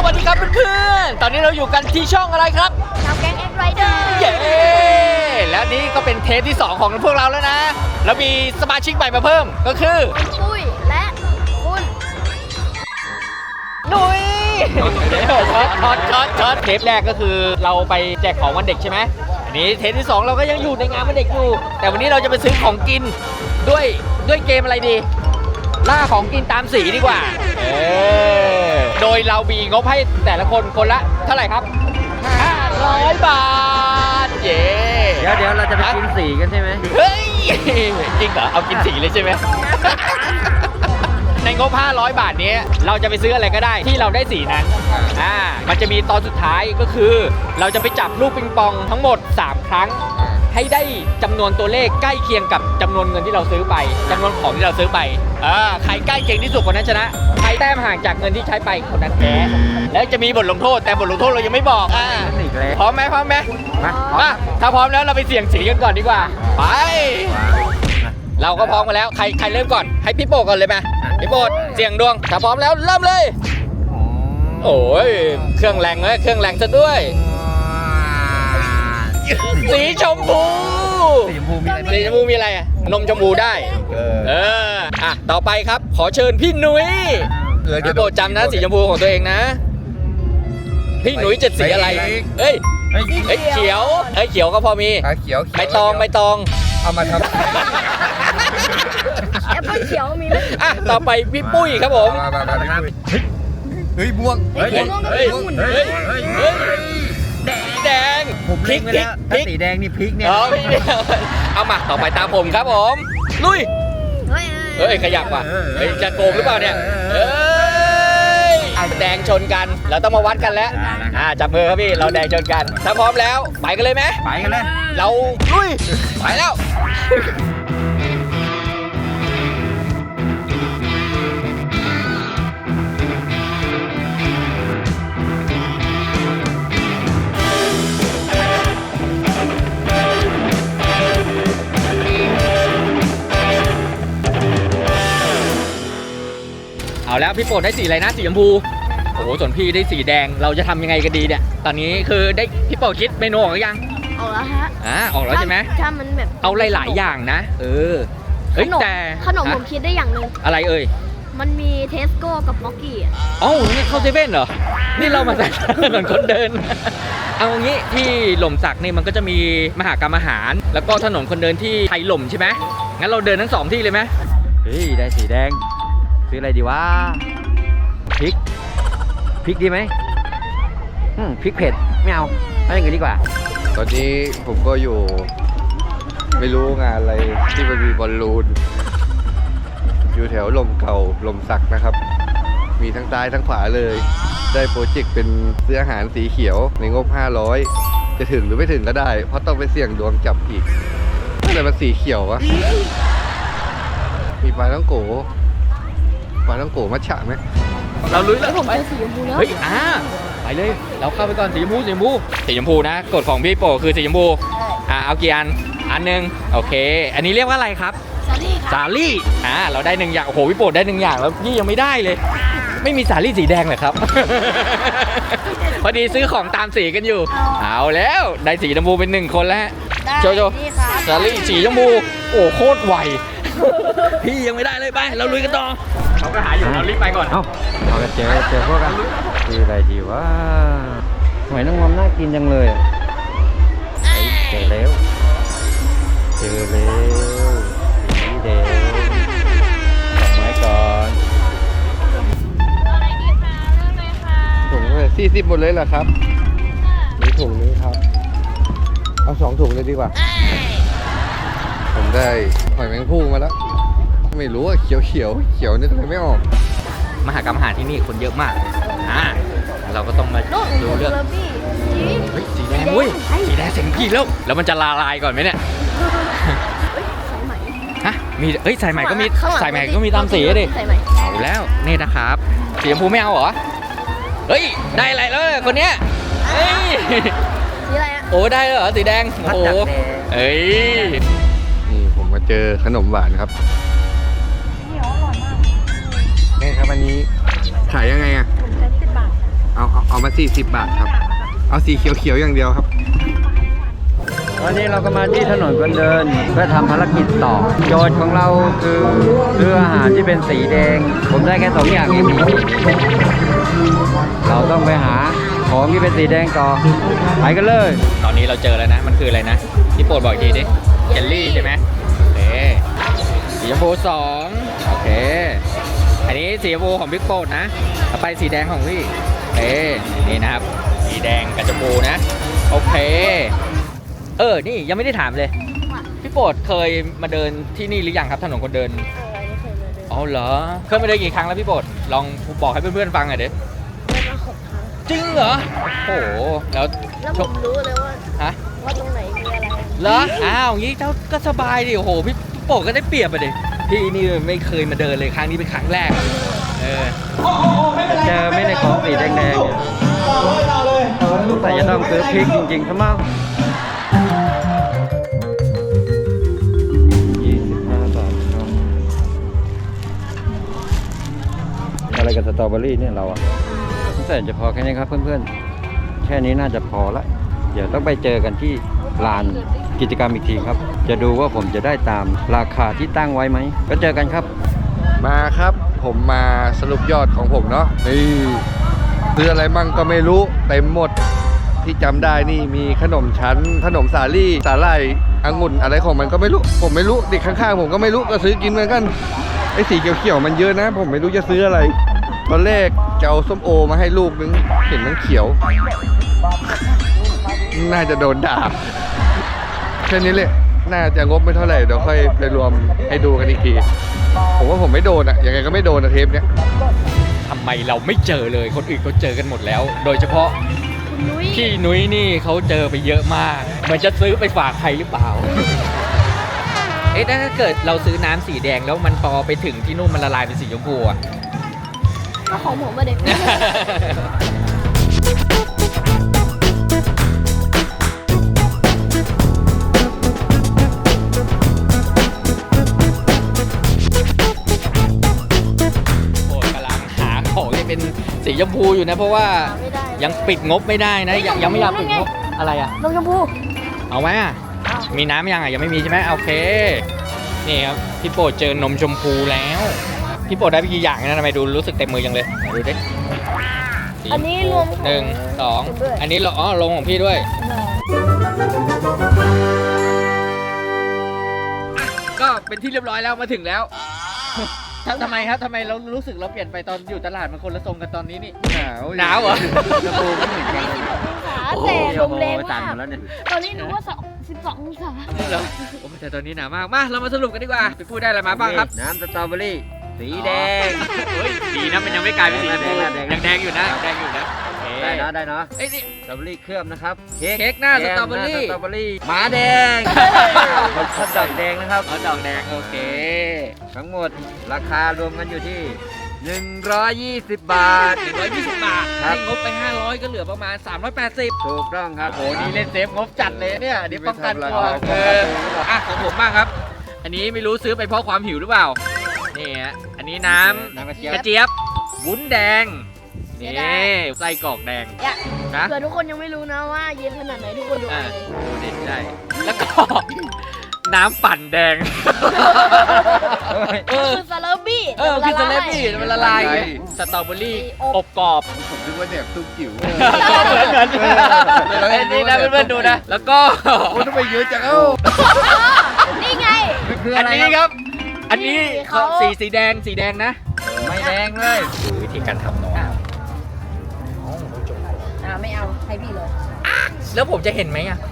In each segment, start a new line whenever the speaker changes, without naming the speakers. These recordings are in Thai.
วัสดีครับเพื่อนๆตอนนี้เราอยู่กันที่ช่องอะไรครับ
ชาวแก๊งเอ็กไรเดอร์
เย้แล้วนี่ก็เป็นเทปที่2ของพวกเราแล้วนะแล้วมีสมาชิกใหม่มาเพิ่มก็คือ
ปุ้ยและคุณ
นุ้ยช็อตเทปแรกก็คือเราไปแจกของวันเด็กใช่ไหมอันนี้เทปที่2เราก็ยังอยู่ในงานวันเด็กอยู่แต่วันนี้เราจะไปซื้อของกินด้วยเกมอะไรดีล่าของกินตามสีดีกว่าโดยเรามีงบให้แต่ละคนละเท่าไหร่ครับ500 บาทเย้
เดี๋ยวเราจะไปกินสีกันใช่ไหม
เฮ้ยจริงเหรอเอากินสีเลยใช่ไหมในงบ500 บาทนี้เราจะไปซื้ออะไรก็ได้ที่เราได้สีนั้นมันจะมีตอนสุดท้ายก็คือเราจะไปจับลูกปิงปองทั้งหมด3ครั้งให้ได้จำนวนตัวเลขใกล้เคียงกับจำนวนเงินที่เราซื้อไปจำนวนของที่เราซื้อไปใครใกล้เคียงที่สุดคนนั้นชนะใครแต้มห่างจากเงินที่ใช้ไปคนนั้นแพ้แล้วจะมีบทลงโทษแต่บทลงโทษเรายังไม่บอกพร้อมไหมมาถ้าพร้อมแล้วเราไปเสี่ยงสีกันก่อนดีกว่าไปเราก็พร้อมกันแล้วใครเริ่มก่อนให้พี่โป้ก่อนเลยไหมพี่โป้เสี่ยงดวงถ้าพร้อมแล้วเริ่มเลยโอ้ยเครื่องแรงเลยเครื่องแรงซะด้วยสีชมพูมีอะไรอะนมชมพูได้ต่อไปครับขอเชิญพี่หนุ่ยพี่โปรดจำนะสีชมพูของตัวเองนะพี่หนุ่ยจะสีอะไรเอ้ยเขียวเขียวก็พอมี
เขียว
ใบตอง
เอามาทำ
แอปเปิ้ลเขียวมีไหม
ต่อไปพี่ปุ้ยครับผม
เฮ้ยม่วง
แดง
พริกสีแดงนี่พริกเนี่ย
เอามาต่อไปตามผมครับผมลุยเฮ้ยขยับว่ะจะโกงหรือเปล่าเนี่ยแดงชนกันเราต้องมาวัดกันแล้วจับมือครับพี่เราแดงชนกันถ้าพร้อมแล้วไปกันเลยไหม
ไปกันเลย
เราลุยไปแล้วเอาแล้วพี่โปรดได้สีอะไรนะสีชมพูโอ้โหส่วนพี่ได้สีแดงเราจะทำยังไงกันดีเนี่ยตอนนี้คือได้พี่โปรดคิดเมนูออกหรือยัง
ออกแล้วฮะ
ออกแล้วใช่ไหม
ถ้ามันแบบ
เอาหลายๆอย่างนะแต่
ขนมผมคิดได้อย่างหนึ่ง
อะไร
มันมีเทสโก้กับม็อกกี้
นี่เข้าเซเว่นเหรอนี่เรามาใส่ถนนคนเดินเอางี้ที่หล่มสักนี่มันก็จะมีมหกรรมอาหารแล้วก็ถนนคนเดินที่ไทยหล่มใช่ไหมงั้นเราเดินทั้ง2ที่เลยไหม
เฮ้ยได้สีแดงซื้ออะไรดีวะพริกดีไหมพริกเผ็ดไม่เอาอย่างอื่นดีกว่า
ตอนนี้ผมก็อยู่ไม่รู้งานอะไรที่มันมีบอลลูนอยู่แถวลมเก่าลมสักนะครับมีทั้งซ้ายทั้งขวาเลยได้โปรเจกต์เป็นซื้ออาหารสีเขียวในงบ500จะถึงหรือไม่ถึงก็ได้เพราะต้องไปเสี่ยงดวงจับอีกอะไรมันสีเขียววะมีปลาต้องโกมัทฉะไหม
เราลุยแล้ว
ผมไปสีชมพูแล้ว
เฮ้ยไปเลยเราเข้าไปก่อนสีชมพูนะกฎของพี่โปคือสีชมพูเอากี่อันหนึ่งโอเคอันนี้เรียกว่าอะไรครับสาลี่เราได้1อย่างโอ้โหพี่โปได้1อย่างแล้วนี่ยังไม่ได้เลยไม่มีสาลี่สีแดงเลยครับ พอดีซื้อของตามสีกันอยู่เอาแล้วได้สีชมพูเป็น1คนแล้วโชว์สาลี่สีชมพูโอ้โคตรไวพี่ยังไม่ได้เลยไปเราลุยกันต่อเขาก็หาอยู่เรารีบไปก่อน
เอากันเจอพวกกันคืออะไรดีวะหอยนางรมน่ากินจังเลยเจอแล้วสีแดงดอกไม้ก่อน
อะไรดีคะเริ่มเลยค่ะ
ถุงเลย40หมดเลยเหรอครับมีถุงนึงครับเอา2ถุงเลยดีกว่าผมได้หอยแมงภู่มาแล้วไม่รู้ว่าเขียวนี่ทำไมไม่ออก
มหกรรมอาหารที่นี่คนเยอะมากเราก็ต้องมาดูเรื่องสีแดงสีแดงเสียงพี่แล้วมันจะละลายก่อนไหมเนี่ยมีสายใหม่ก็มีสายใหม่ก็มีตามสีดิเอาแล้วนี่นะครับสีชมพูไม่เอาเหรอได้อะไรแล้วคนเนี้ย
สีอะไร
โอ้ได้เหรอสีแดงโอ้
นี่ผมมาเจอขนมหวานครับนี่ครับอันนี้ขายยังไง
10 บาท
เอามา 40 บาทครับ เอาสีเขียวๆอย่างเดียวครับ
วันนี้เราก็มาที่ถนนคนเดินเพื่อทำภารกิจต่อ โจทย์ของเราคือซื้ออาหารที่เป็นสีแดง ผมได้แค่2 อย่างเองเราต้องไปหาของที่เป็นสีแดงต่อไปกันเลย
ตอนนี้เราเจอแล้วนะ มันคืออะไรนะพี่โปรดบอกอีกทีดิเจลลี่ใช่ไหมโอเคสีชมพู2โอเคอันนี้สีชมพูของพี่โปรดนะต่อไปสีแดงของพี่นี่นะครับสีแดงกับชมพูนะโอเคนี่ยังไม่ได้ถามเลยพี่โปรดเคยมาเดินที่นี่หรือยังครับถนนคนเดิน
ไม่เคยมาเดิน
อ๋อเหรอเคยมาเดินกี่ครั้งแล้วพี่โปรดลองบอกให้เพื่อนๆฟังหน่อยดิ
เดินมา6 ครั้ง
จริงเหรอโอ้โหแล้ว
แล้วผมรู้เลยว่า
ฮะ
ว่าตรงไหนมีอะไร
เหรออ้าวงี้เจ้าก็สบายดิโอ้โหพี่โปรดก็ได้เปรียบไปดิพี่นี่ไม่เคยมาเดินเลยครั้งนี้เป็นครั้งแรก
เจอไม่ในของสีแดงๆเนี่ยแต่จะต้องซื้อพริกจริงๆซะมั้ง25 บาทครับอะไรกับสตรอเบอรี่เนี่ยเราอะแต่จะพอแค่นี้ครับเพื่อนๆ แค่นี้น่าจะพอละ เดี๋ยวต้องไปเจอกันที่ลานกิจกรรมอีกทีครับ จะดูว่าผมจะได้ตามราคาที่ตั้งไว้ไหม ก็เจอกันครับ
มาครับผมมาสรุปยอดของผมเนาะนี่ซื้ออะไรมั่งก็ไม่รู้เต็มหมดที่จำได้นี่มีขนมชั้นขนมสาลี่สาหร่ายองุ่นอะไรของมันก็ไม่รู้ผมไม่รู้เด็กข้างๆผมก็ไม่รู้ก็ซื้อกินเหมือนกันไอ้สีเขียวๆมันเยอะนะ ผมไม่รู้จะซื้ออะไรตอนแรกจะเอาส้มโอมาให้ลูกนึงเห็นมันเขียว น่าจะโดนด่าแค่นี้เลยน่าจะงบไม่เท่าไหร่เดี๋ยวค่อยไปรวมให้ดูกันอีกทีผมว่าผมไม่โดนอะยังไงก็ไม่โดนอะเทปเนี้ย
ทำไมเราไม่เจอเลยคนอื่นเขาเจอกันหมดแล้ว โดยเฉพาะ
คุณนุ้ย
พี่นุ้ยนี่เขาเจอไปเยอะมากเหมือนจะซื้อไปฝากใครหรือเปล่า ถ้าเกิดเราซื้อน้ำสีแดงแล้วมันพอไปถึงที่นู่นมันละลายเป็นสีชมพูอะ
ก็ของผมมาเด็ก
โอ้ยกำลังหาของที่เป็นสีชมพูอยู่นะ เพราะว่า
ไม่ได้
ยังปิดงบไม่ได้นะ ยังไม่อยากปิดงบอะไรอะ
นมชมพู
เอาไหมอะ
เอา
มีน้ำยังอะยังไม่มีใช่ไหมโอเคนี่ครับพี่โปรดเจอนมชมพูแล้วพี่โปรดได้ไปกี่อย่างนะทำไมดูรู้สึกเต็มมือจังเลยไหนดูดิ
อันนี้รวม
หนึ่งสองอันนี้ลงของพี่ด้วย ก็เป็นที่เรียบร้อยแล้วมาถึงแล้วทำไมครับทำไมเรารู้สึกเราเปลี่ยนไปตอนอยู่ตลาดมันคนละทรงกันตอนนี้นี่หนาวเหรอ
กระโปรงไม่เหมือนกันเลย
ขาแต่ลมแรง
สั่น
มาก
หมดแล้วเนี่ย
ตอนนี้หนูว่า12 องศา
เหรอโอ้แต่ตอนนี้หนาวมากมาเรามาสรุปกันดีกว่าไปพูดได้อะไรมาบ้างครับ
น้ำสตรอเบอรี่ สีแดง
เฮ้ยดีนะมันยังไม่กลายเป็นสีชมพู
แดง
ยังแดงอยู่นะแดงอยู่นะโอเค
ได้เนาะได้เนาะ
เอ้ยนี่
สตรอเบอรี่เคลือบนะครับ
เค้กหน้าสตรอเบอรี่
หน้าสตรอเบอรี่หมาแดงชอบดอกแดงนะครับ
อ๋อดอกแดงโอเค
ทั้งหมดราคารวมกันอยู่ที่ 120 บาท
120 บาท
ครับ
ให้งบไป 500 ก็เหลือประมาณ 380
ถูกต้องครับ
โอ้โหนี่เล่นเซฟงบจัดเลยเนี่ยเดี๋ยวป้องกันตัว
ไม่ทำอะไร
อ่ะของผมบ้างครับ อันนี้ไม่รู้ซื้อไปเพราะความหิวหรือเปล่า นี่ฮะ อันนี้น้ำ
น้ำกระเจี๊ยบ
กระเจี๊ยบ วุ้นแดง นี่ไส้กรอกแดง
อย่า
นะ
เผื่อทุกคนยังไม่รู้นะว่าเย็นขนาดไหนทุกคนดู
อ่า
เอาเลย
โอ้เด็ดใจแล้วก็ น้ำปั่นแดง เออ
คือซาลาบี้
คือสเลปปี้มันละลายสตรอเบอรี่อบกรอบ
ผมนึกว่าเนี่ยตุ้มจิ๋ว
เหมือนไอ้นี่นะเพื่อนๆดูนะ แล้วก็
โอ้ทำไมเยอะจังเอ้า
นี่ไง
คือ
อั
อะ
น
ไร
นี้
ค
ครับ รับ อันนี้
เขา
สีแดงนะ
ไม่แดงเลย
ดูวิธีการทำเนาะ
ไม่เอาให้พี่เลย
แล้วผมจะเห็นไหมอ่ะ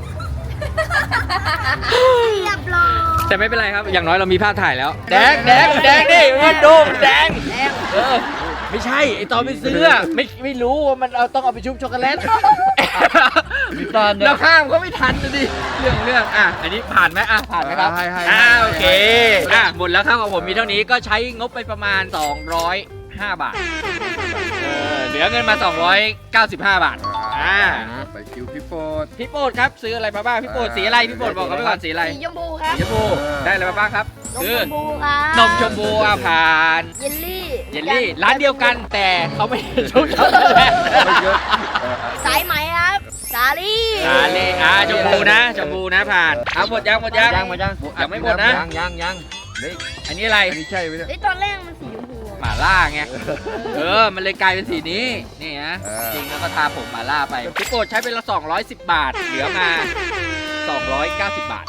เรียบร้อย
แต่ไม่เป็นไรครับ อย่างน้อยเรามีภาพถ่ายแล้ว แดงดิมันดูมันแดงเออไม่ใช่ไอตอนไปซื้ออะไม่รู้ว่ามันต้องเอาไปชุบช็อกโกแลต
ตอนเนี่ย
เราข้ามก็ไม่ทันนะดิเรื่องอ่ะอันนี้ผ่านไหมอ่ะผ่านไหมครับ
ให้
โอเคหมดแล้วครับของผมมีเท่านี้ก็ใช้งบไปประมาณ205 บาทเหลือเงินมา295 บาท
ไปคิวพี่โฟด
พี่โปรดครับซื้ออะไรมาบ้างพี่โปรดสีอะไรพี่โปรดบอกกันไปก่อนสีอะไร
สีชมพูครับ
สีชมพูได้อะไรมาบ้างครับ
นม
คือ
ชมพูครับ
นมชมพูผ่าน
เยลลี่
เยลลี่ร้านเดียวกันแต่เขาไม่ชุบช็อกโกแลต
สายไหมครับสาลี่
ชมพูนะผ่านเอาหมดยัง
ยังมายัง
ยังไม่หมดนะ
ยังเฮ้ย
อันนี้อะไร
อันนี้ใช่ไหมเนี่ย
ไอ้ตอนแรกมันสีชมพู
หม่าล่าไงมันเลยกลายเป็นสีนี้นี่ฮะจริงแล้วก็ทาผมหม่าล่าไปพี่โปรดใช้เป็นละ210 บาทเหลือมา290 บาท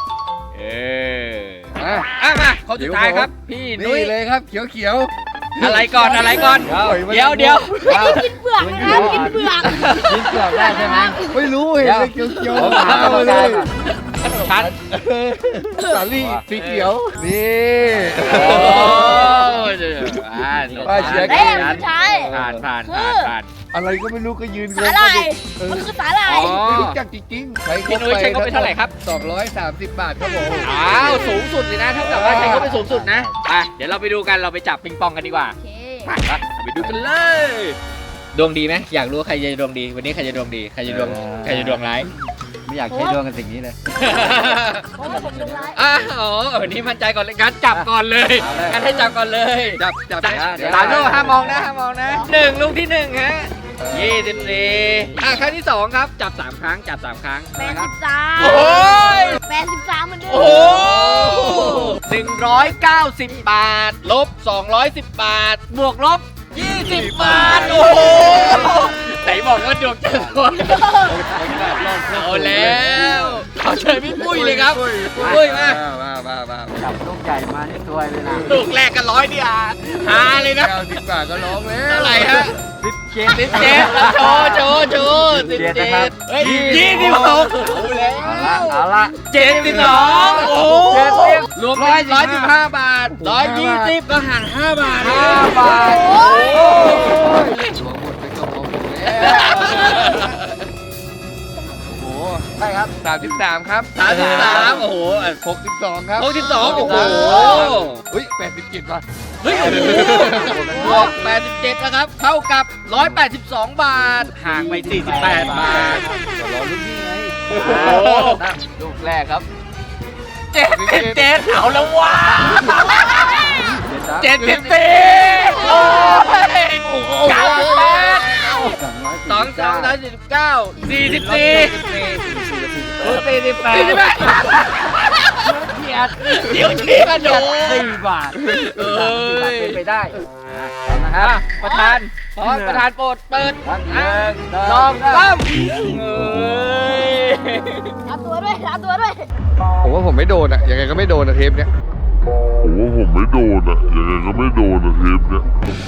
มาเขาสุดท้ายครับพี่นุ้
นี่
ย
เลยครับเขียว
อะไรก่อนเดี๋ยว
กินเปลือกนะครับกินเปลือก
กินเปลือกได้ใช่ไหม
ๆไม่รู้เห็นเลยเขียว
ผม
ๆ
หา
เอา
กรรม
เล
การ
ย
ก่อน
ชัด
สาลี่สีเขียวนี่ ป้าเชียร์
เอ้ยสุดท้าย
ผ่าน
อะไรก็ไม่รู้ก็ยืนง
สาง หร่าย
เออ
มันคือสาหร่าย
ไม่รู้จักจริงๆใช้
พี่นุ้ยใช้เขาไปเท่าไหร่ครับ
230 บาทครับผม
สูงสุดเลยนะเท่ากับว่าใช้เขาไปสูงสุดนะเดี๋ยวเราไปดูกันเราไปจับปิงปองกันดีกว่า
โอเค
ไปดูกันเลยดวงดีไหมอยากรู้ว่าใครจะดวงดีวันนี้ใครจะดวงดีใครจะดวงร้าย
ไม่อยากใช้ดวงกันสิ่งนี้เลย
เพราะว่าผมดูร้าย
วันนี้มั่นใจก่อนเลยงั้นจับก่อนเลยงั้นให้จับก่อนเลย
จับ
สามลูกห้ามองนะ1ลูกที่1ฮะ24ครั้งที่2ครับจับ3ครั้ง
83
โอ้ย
83เหมือนเดิม
โอ้190 บาทลบ210 บาทบวกลบ20 บาทโอ้โหไหนบอกว่าดวงจะรวยเอาแล้วขอเชิญพี่ปุ้ยเลยครับปุ้ยมา
จับลูกใหญ่มานี่ซวยเลยนะ
ลูกแรกกัน100เดียวหาเลยนะ
90 บาทก็ร้องแล้ว
เท่าไหร่ฮะ
17
17โชว์17เฮ้ย26
เอาละ
72โอ้รวมเป็น115 บาท120ก็หัน5 บาท
5 บาท
โอ้ย
หัวหมดไปก็พอหมดแล้วโอ้โห
ได้ครับ
33ครับ
33โอ้โห
62ครับ
62โอ้โห
เฮ้ย87บาท
เฮ้ยบวก87นะครับเท่ากับ182 บาทห่างไป48 บาท
รอรุ่นนี้ไง
โอ้โหลูกแรกครับ77เอาแล้วว้า74โอ้ย98 249 เดี๋ยวชี้กันดู
4 บาทเป็นไปได้
นะครับประธานโปรดเปิด
ลอง
3
รับตัวด้วย
ผมว่าผมไม่โดนอะยังไงก็ไม่โดนอะเทปเนี้ย
ผมว่าผมไม่โดนอะยังไงก็ไม่โดนอะเทปเนี้ย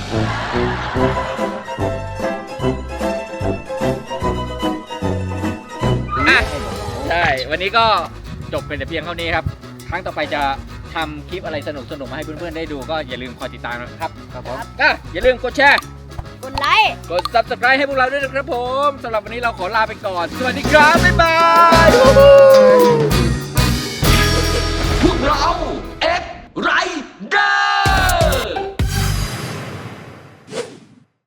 ใช่วันนี้ก็จบเป็นแต่เพียงเท่านี้ครับครั้งต่อไปจะทำคลิปอะไรสนุกๆมาให้เพื่อนๆได้ดูก็อย่าลืมคอยติดตามนะครับก็อย่าลืมกดแชร์
กดไลค์
กด subscribe ให้พวกเราด้วยนะครับผมสำหรับวันนี้เราขอลาไปก่อน สวัสดีครับ บ๊ายบาย